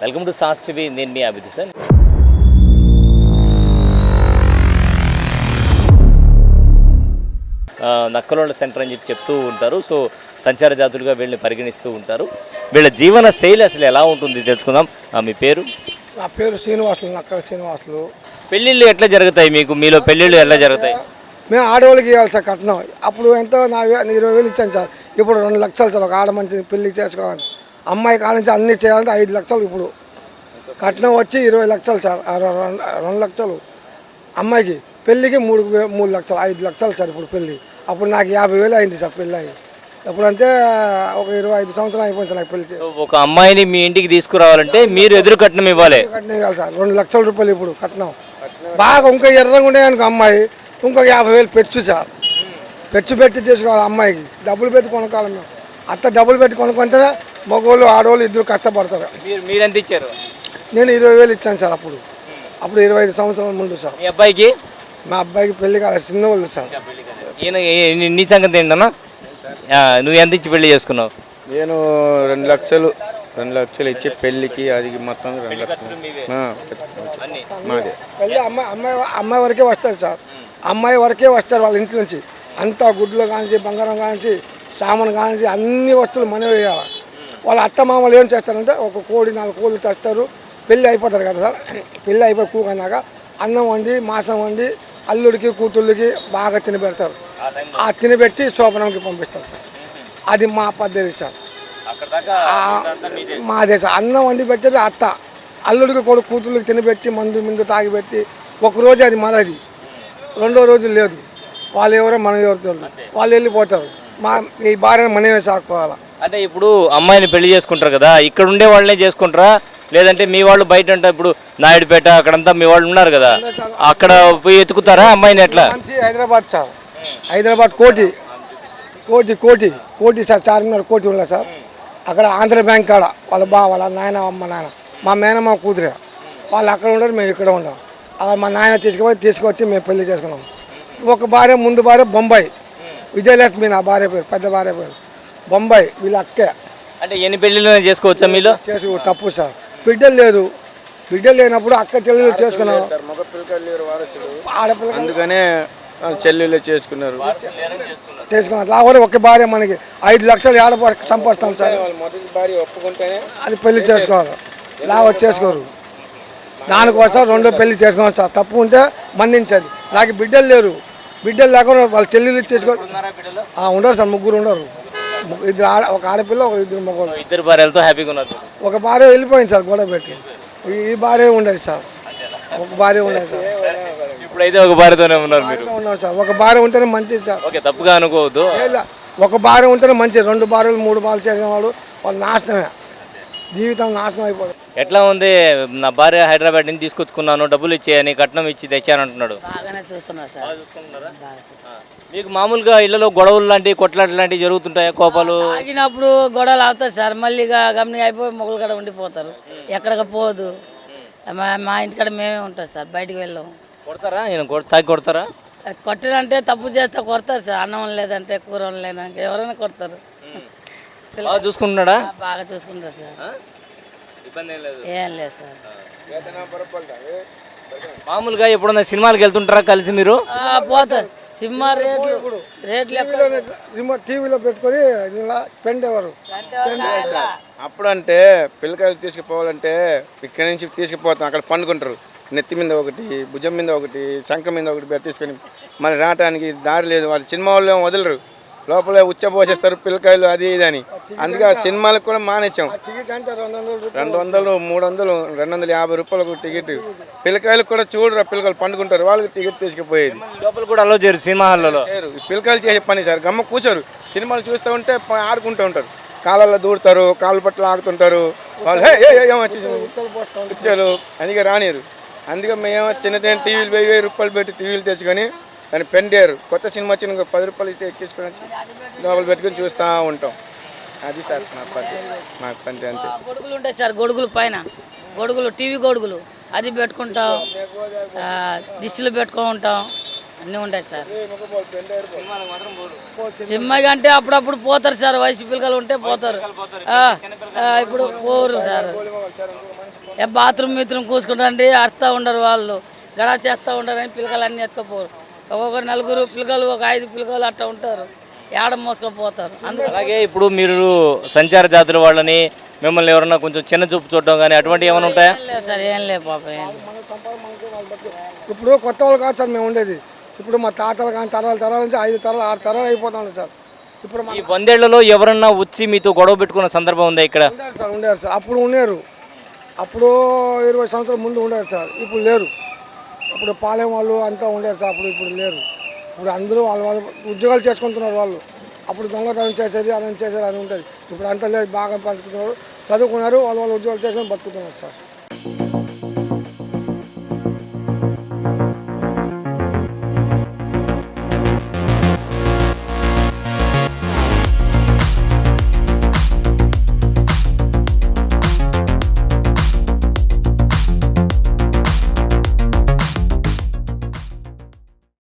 Welcome to సాస్ TV. నేను మీ అభిద్ సార్. నక్కలోళ్ళ సెంటర్ అని చెప్తూ ఉంటారు. సో సంచార జాతులుగా వీళ్ళని పరిగణిస్తూ ఉంటారు. వీళ్ళ జీవన శైలి అసలు ఎలా ఉంటుంది తెలుసుకుందాం. మీ పేరు? నా పేరు శ్రీనివాసులు, నక్క శ్రీనివాసులు. పెళ్ళిళ్ళు ఎట్లా జరుగుతాయి మీలో పెళ్ళిళ్ళు ఎలా జరుగుతాయి? మేము ఆడవాళ్ళకి ఇవ్వాలి సార్ కట్నం. అప్పుడు ఎంతో 20,000 ఇచ్చాను సార్. ఇప్పుడు 2 లక్షలు సార్. ఒక ఆడ మంచి పెళ్లి చేసుకోవాలి, అమ్మాయి కానించి అన్నీ చేయాలంటే 5 లక్షలు. ఇప్పుడు కట్నం వచ్చి 20 లక్షలు సార్. 2 లక్షలు అమ్మాయికి, పెళ్ళికి 3 లక్షలు, 5 లక్షలు సార్ ఇప్పుడు పెళ్ళి. అప్పుడు నాకు 50,000 అయింది సార్ పెళ్ళి అయ్యి. ఎప్పుడంటే ఒక 25 సంవత్సరాలు అయిపోయింది నాకు పెళ్లి. ఒక అమ్మాయిని మీ ఇంటికి తీసుకురావాలంటే మీరు ఎదురు కట్నం ఇవ్వాలి. కట్నం ఇవ్వాలి సార్. 2 లక్షల రూపాయలు ఇప్పుడు కట్నం. బాగా ఇంకా ఎర్రగా ఉండేదానికి అమ్మాయి ఇంకొక 50,000 పెచ్చు సార్. పెచ్చు పెట్టి తీసుకోవాలి అమ్మాయికి. డబ్బులు పెట్టి కొనుక్కోవాలి మేము. అత్త డబ్బులు పెట్టి కొనుక్కుంటే మగవాళ్ళు ఆడవాళ్ళు ఇద్దరు కష్టపడతారు. మీరెంత ఇచ్చారు? నేను 20,000 ఇచ్చాను సార్. అప్పుడు 25 సంవత్సరాల ముందు సార్. మీ అబ్బాయికి? మా అబ్బాయికి పెళ్లి కాలేదు, చిన్నవాళ్ళు సార్. ఈయన నీ సంగతి ఏంటన్నా? నువ్వు ఎంత ఇచ్చి పెళ్లి చేసుకున్నావు? నేను 2 లక్షలు ఇచ్చి పెళ్ళికి అది మొత్తం 2 లక్షలు మాది. పెళ్ళి అమ్మాయి వరకే వస్తారు సార్. అమ్మాయి వరకే వస్తారు వాళ్ళ ఇంటి నుంచి. అంతా గుడ్లు కానించి, బంగారం కానించి, సామాను కానించి అన్ని వస్తువులు మనమే వేయాలి. వాళ్ళ అత్త మామలు ఏం చేస్తారంటే ఒక కోడి 4 కోళ్ళు తెస్తారు. పెళ్ళి అయిపోతారు కదా సార్. పెళ్ళి అయిపోయి కూకన్నాక అన్నం వండి, మాంసం వండి అల్లుడికి కూతుళ్ళకి బాగా తినబెడతారు. ఆ తినబెట్టి శోభనంకి పంపిస్తారు సార్. అది మా పద్ధతి సార్. మాదే సార్. అన్నం వండి పెట్టేది అత్త, అల్లుడికి కొడుకు కూతుళ్ళకి తినబెట్టి మందు తాగిపెట్టి ఒకరోజు అది మనది, 2వ రోజు లేదు. వాళ్ళు ఎవరో మనం ఎవరు వాళ్ళు వెళ్ళిపోతారు. ఈ భార్యను మనమే సాక్కోవాలి. అంటే ఇప్పుడు అమ్మాయిని పెళ్లి చేసుకుంటారు కదా, ఇక్కడ ఉండే వాళ్ళనే చేసుకుంటారా లేదంటే మీ వాళ్ళు బయట అంటే ఇప్పుడు నాయుడుపేట అక్కడంతా మీ వాళ్ళు ఉన్నారు కదా, అక్కడ పోయి ఎత్తుకుతారా అమ్మాయిని? ఎట్లా? హైదరాబాద్ సార్. హైదరాబాద్ కోటి సార్. చార్మినార్ కోటి ఉన్నా సార్. అక్కడ ఆంధ్ర బ్యాంక్ కాడ వాళ్ళ నాయన అమ్మ నాయన మా మేనమ్మ కూతురే వాళ్ళు అక్కడ ఉండరు, మేము ఇక్కడ ఉన్నాం. అక్కడ మా నాయన తీసుకొచ్చి మేము పెళ్లి చేసుకున్నాం. ఒక భార్య, ముందు భార్య బొంబాయి, విజయలక్ష్మి నా భార్య పేరు, పెద్ద భార్య పేరు బొంబాయి. వీళ్ళ అక్కే. అంటే ఎన్ని పెళ్లిళ్ళు చేసుకోవచ్చా మీలో? చేసుకో తప్పు సార్. బిడ్డలు లేనప్పుడు అక్క చెల్లెలు చేసుకున్నాం. ఆడపిల్ల అందుకనే చెల్లెలు చేసుకున్నారు. లాగా ఒక భార్య మనకి 5 లక్షలు ఏడ సంపాదిస్తాం సార్. మొదటి భార్య ఒప్పుకుంటేనే అది పెళ్లి చేసుకోవాలి. లాగా చేసుకోరు. దానికోసం 2వ పెళ్లి చేసుకోవాలి సార్. తప్పు ఉంటే మన్నించాలి. నాకు బిడ్డలు లేరు. బిడ్డలు లేకుండా వాళ్ళ చెల్లెలు చేసుకో ఉండరు సార్. 3 ఉండరు. ఒక ఆడపిల్ల, 2 మగవాళ్ళు. 2 భార్యలతో హ్యాపీగా ఉన్నారు. ఒక భార్య వెళ్ళిపోయింది సార్ గొడవ పెట్టి. ఈ భార్య ఉండేది సార్. ఒక భార్య ఉండేది సార్. ఇప్పుడైతే ఒక భార్యతోనే ఉన్నారు మీరు? ఉన్నాం సార్. ఒక భార్య ఉంటేనే మంచిది సార్. ఓకే, తప్పుగా అనుకోవద్దు. ఒక భార్య ఉంటేనే మంచిది. 2 భార్యలు 3 భార్యలు చేసిన వాళ్ళు నాశనమే, జీవితం నాశనం అయిపోతుంది. ఎట్లా ఉంది? నా భార్య హైదరాబాద్ నుంచి తీసుకొచ్చుకున్నాను, డబ్బులు ఇచ్చేయని, కట్నం ఇచ్చి తెచ్చానంటున్నాడు. బాగానే చూస్తున్నా సార్. మీకు మామూలుగా ఇళ్లలో గొడవలు లాంటివి, కొట్లాటలు లాంటివి జరుగుతుంటాయా? కోపాలు తాగినప్పుడు గొడవలు అవుతాయి సార్. మళ్ళీ గమని అయిపోయి మొగలు కాడ ఉండిపోతారు. ఎక్కడికి పోదు. మా ఇంటికాడ మేమే ఉంటాం సార్. బయటికి వెళ్ళాం. కొడతారా? తాగి కొడతారా? కొట్టినంటే తప్పు చేస్తే కొడతారు సార్. అన్నం లేదంటే కూర లేదంటే ఎవరైనా కొడతారు. బాగా చూసుకుంటున్నాడా? బాగా చూసుకుంటారు సార్. ఏం లేదు సార్. మామూలుగా ఎప్పుడన్నా సినిమాలకు వెళ్తుంటారా కలిసి మీరు? పోతారు. సినిమా రేట్లు టీవీలో పెట్టుకొని పెండేవారు. అప్పుడంటే పిల్లకాయలు తీసుకుపోవాలంటే ఇక్కడి నుంచి తీసుకుపోతాం. అక్కడ పండుకుంటారు. నెత్తి మీద ఒకటి, భుజం మీద ఒకటి, శంఖ మీద ఒకటి పెట్టి తీసుకొని మరి రావటానికి దారి లేదు. వాళ్ళు సినిమా వాళ్ళు వదలరు. లోపల ఉచ్చపోసేస్తారు పిల్లకాయలు, అది ఇది అని. అందుకే ఆ సినిమాలకు కూడా మానేసాం. 200, 300, 250 రూపాయలకు టికెట్. పిల్లకాయలకు కూడా చూడరు. పిల్లకాయలు పండుకుంటారు. వాళ్ళకి టికెట్ తీసుకుపోయేది. లోపల కూడా అలో చేయరు సినిమా హాల్లో. పిల్లకాయలు చేసే పని సార్. గమ్మ కూర్చోరు. సినిమాలు చూస్తూ ఉంటే ఆడుకుంటూ ఉంటారు. కాళ్ళల్లో దూడతారు, కాళ్ళ పట్ల ఆడుతుంటారు. వాళ్ళు పిచ్చలు అందుకే రానిరు. అందుకే మేము చిన్న టీవీలు 1000 రూపాయలు పెట్టి టీవీలు తెచ్చుకొని దాన్ని పెండారు. కొత్త సినిమా వచ్చిన 10 రూపాయలు ఇస్తే ఎక్కించుకొని లోపల పెట్టుకొని చూస్తూ ఉంటాం. అది సార్ మా పద్ధతి. అంతే. గొడుగులు ఉంటాయి సార్. గొడుగులు పైన టీవీ గొడుగులు అది పెట్టుకుంటాం. దిష్టిలు పెట్టుకుంటాం. అన్నీ ఉంటాయి సార్. సినిమాకి అంటే అప్పుడప్పుడు పోతారు సార్, వయసు పిల్లలు ఉంటే పోతారు. ఇప్పుడు పోరు సార్. బాత్రూమ్ మీత్రూమ్ కూసుకుంటారండి, అరుస్తూ ఉండరు వాళ్ళు, గడా చేస్తూ ఉంటారని పిల్లలు అన్నీ ఎత్తుకపోరు. ఒక్కొక్కరు 4 పిల్లలు, ఒక 5 పిల్లలు అట్లా ఉంటారు, ఏడ మోసుకపోతారు. అలాగే ఇప్పుడు మీరు సంచార జాతుల వాళ్ళని మిమ్మల్ని ఎవరన్నా కొంచెం చిన్న చూపు చూడడం కానీ అటువంటి ఏమైనా ఉంటాయా? ఏం లేదు సార్, ఏం లేదు పాప, ఏం లేదు. ఇప్పుడు కొత్త వాళ్ళు కాదు సార్ మేము ఉండేది. ఇప్పుడు మా తాతలు కానీ తరాల నుంచి 5 తరాలు 6 తరాలు అయిపోతాం సార్. ఇప్పుడు ఈ 100 ఏళ్లలో ఎవరన్నా వచ్చి మీతో గొడవ పెట్టుకున్న సందర్భం ఉందా ఇక్కడ? ఉండేరు సార్. అప్పుడు ఉన్నారు, అప్పుడు 20 సంవత్సరాల ముందు ఉండేరు సార్, ఇప్పుడు లేరు. అప్పుడు పాలెం వాళ్ళు అంతా ఉండేరు సార్, ఇప్పుడు లేరు. ఇప్పుడు అందరూ వాళ్ళు ఉద్యోగాలు చేసుకుంటున్నారు వాళ్ళు. అప్పుడు దొంగతనం చేసేది, అని చేసేది అని ఉంటుంది. ఇప్పుడు అంతా లేదు, బాగా బతుకుతున్నారు, చదువుకున్నారు, వాళ్ళు ఉద్యోగాలు చేసుకొని బతుకుతున్నారు సార్.